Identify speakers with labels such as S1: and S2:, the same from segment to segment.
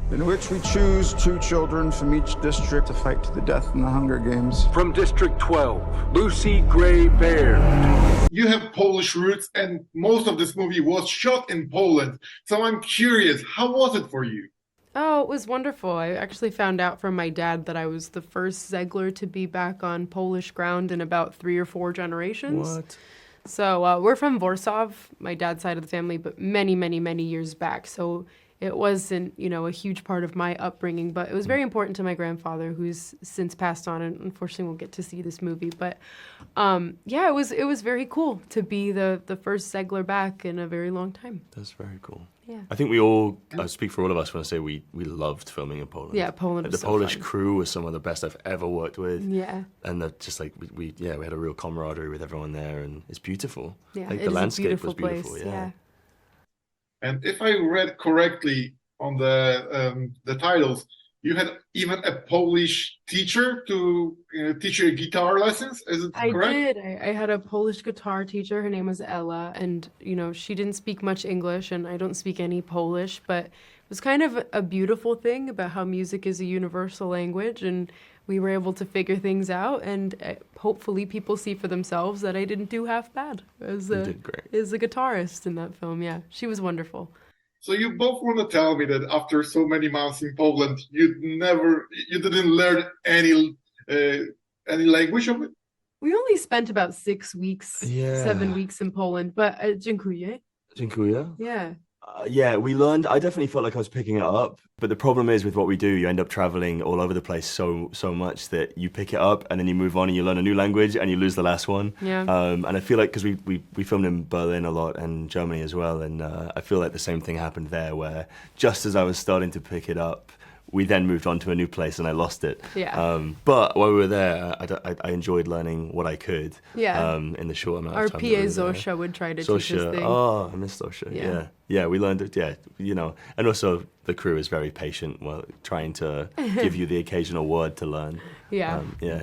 S1: in which we choose 2 children from each district to fight to the death in the Hunger Games.
S2: From District 12, Lucy Gray Baird.
S3: You have Polish roots, and most of this movie was shot in Poland. So I'm curious, how was it for you?
S4: Oh, it was wonderful. I actually found out from my dad that I was the first Zegler to be back on Polish ground in about 3 or 4 generations.
S5: What?
S4: So we're from Warsaw, my dad's side of the family, but many, many, many years back. So it wasn't, a huge part of my upbringing, but it was very important to my grandfather, who's since passed on, and unfortunately won't get to see this movie. But it was very cool to be the first Zegler back in a very long time.
S5: That's very cool.
S4: Yeah.
S5: I think we all, I speak for all of us when I say we loved filming in Poland.
S4: Yeah, Poland was
S5: The
S4: so
S5: Polish
S4: fun.
S5: crew was some of the best I've ever worked with.
S4: Yeah.
S5: And just like, we had a real camaraderie with everyone there, and it's beautiful.
S4: Yeah,
S5: like
S4: it
S5: the
S4: is a
S5: landscape
S4: beautiful
S5: was beautiful,
S4: place.
S5: yeah.
S3: And if I read correctly on the titles, you had even a Polish teacher to teach you guitar lessons. Is it
S4: I
S3: correct?
S4: did. I had a Polish guitar teacher. Her name was Ella, and she didn't speak much English, and I don't speak any Polish, but it was kind of a beautiful thing about how music is a universal language, and we were able to figure things out, and hopefully people see for themselves that I didn't do half bad as
S5: You did great.
S4: as a guitarist in that film. Yeah, she was wonderful.
S3: So you both want to tell me that after so many months in Poland, you didn't learn any language of it?
S4: We only spent about 6 weeks,
S5: Yeah.
S4: 7 weeks in Poland, but dziękuję.
S5: Dziękuję.
S4: Yeah.
S5: Yeah, we learned. I definitely felt like I was picking it up, but the problem is with what we do, you end up traveling all over the place so much that you pick it up and then you move on and you learn a new language and you lose the last one.
S4: Yeah.
S5: And I feel like because we filmed in Berlin a lot and Germany as well, and I feel like the same thing happened there, where just as I was starting to pick it up, we then moved on to a new place and I lost it.
S4: Yeah.
S5: But while we were there, I enjoyed learning what I could.
S4: Yeah.
S5: In the short amount
S4: Our
S5: of time. that we
S4: PA
S5: were there.
S4: Zosha would try to teach us
S5: Sosha,
S4: things.
S5: oh, I miss Sosha.
S4: Yeah.
S5: Yeah, we learned it. Yeah, and also the crew is very patient while trying to give you the occasional word to learn.
S4: Yeah.
S5: Yeah.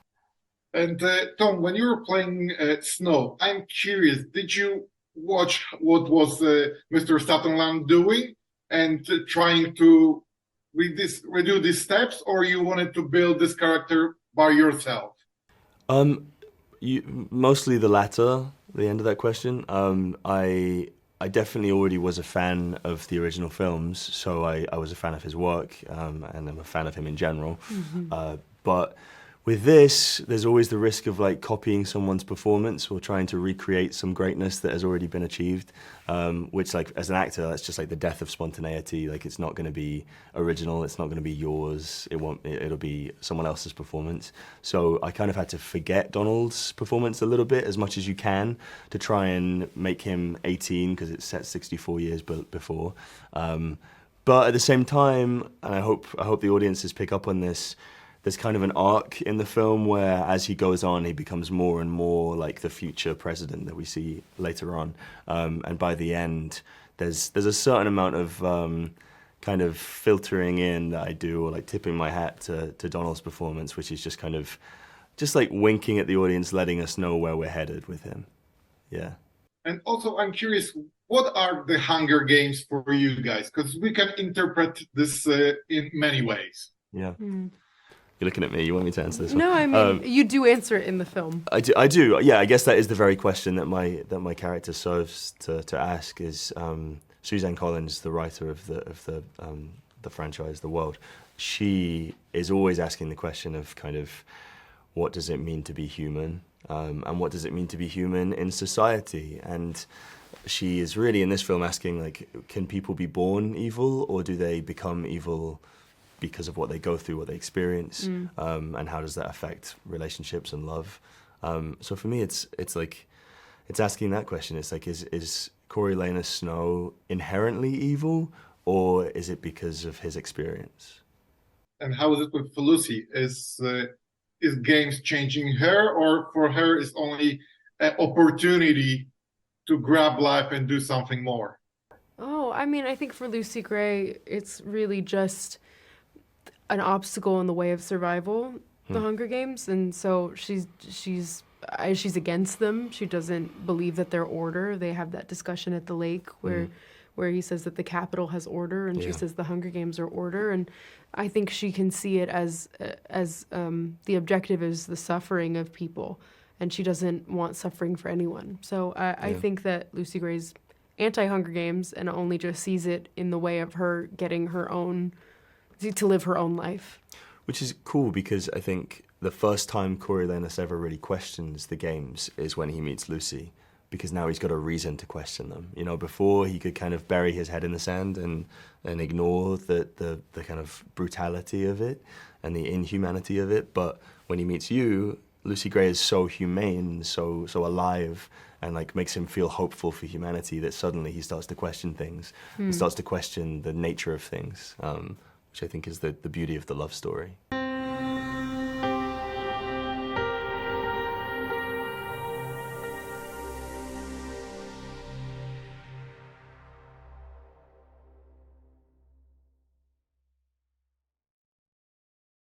S3: And Tom, when you were playing Snow, I'm curious, did you watch what was Mr. Sutherland doing and trying to redo these steps, or you wanted to build this character by yourself?
S5: Mostly the latter, the end of that question. I definitely already was a fan of the original films, so I was a fan of his work, and I'm a fan of him in general. But with this, there's always the risk of like copying someone's performance or trying to recreate some greatness that has already been achieved, which like as an actor, that's just like the death of spontaneity. Like it's not going to be original, it's not going to be yours, it'll be someone else's performance. So I kind of had to forget Donald's performance a little bit as much as you can to try and make him 18 because it's set 64 years before. But at the same time, and I hope the audiences pick up on this, there's kind of an arc in the film where as he goes on, he becomes more and more like the future president that we see later on. And by the end, there's a certain amount of kind of filtering in that I do, or like tipping my hat to Donald's performance, which is just kind of just like winking at the audience, letting us know where we're headed with him. Yeah.
S3: And also, I'm curious, what are the Hunger Games for you guys? Because we can interpret this in many ways.
S5: Yeah. You're looking at me. You want me to answer this one?
S4: No, I mean, you do answer it in the film.
S5: I do. Yeah, I guess that is the very question that my character serves to ask. Is Suzanne Collins, the writer of the franchise, The World? She is always asking the question of kind of what does it mean to be human, and what does it mean to be human in society? And she is really in this film asking like, can people be born evil, or do they become evil because of what they go through, what they experience, and how does that affect relationships and love? So for me, it's asking that question. It's like, is Coriolanus Snow inherently evil, or is it because of his experience?
S3: And how is it with Lucy? Is games changing her, or for her is only an opportunity to grab life and do something more?
S4: Oh, I mean, I think for Lucy Gray, it's really just an obstacle in the way of survival, the Hunger Games, and so she's against them. She doesn't believe that they're order. They have that discussion at the lake where where he says that the Capitol has order, and she
S5: Yeah.
S4: says the Hunger Games are order. And I think she can see it as the objective is the suffering of people, and she doesn't want suffering for anyone. So I
S5: Yeah.
S4: think that Lucy Gray's anti-Hunger Games and only just sees it in the way of her getting her own, to live her own life.
S5: Which is cool because I think the first time Coriolanus ever really questions the games is when he meets Lucy, because now he's got a reason to question them. You know, before he could kind of bury his head in the sand and ignore the kind of brutality of it and the inhumanity of it. But when he meets you, Lucy Gray is so humane, so alive, and like makes him feel hopeful for humanity that suddenly he starts to question things, and starts to question the nature of things, which I think is the beauty of the love story.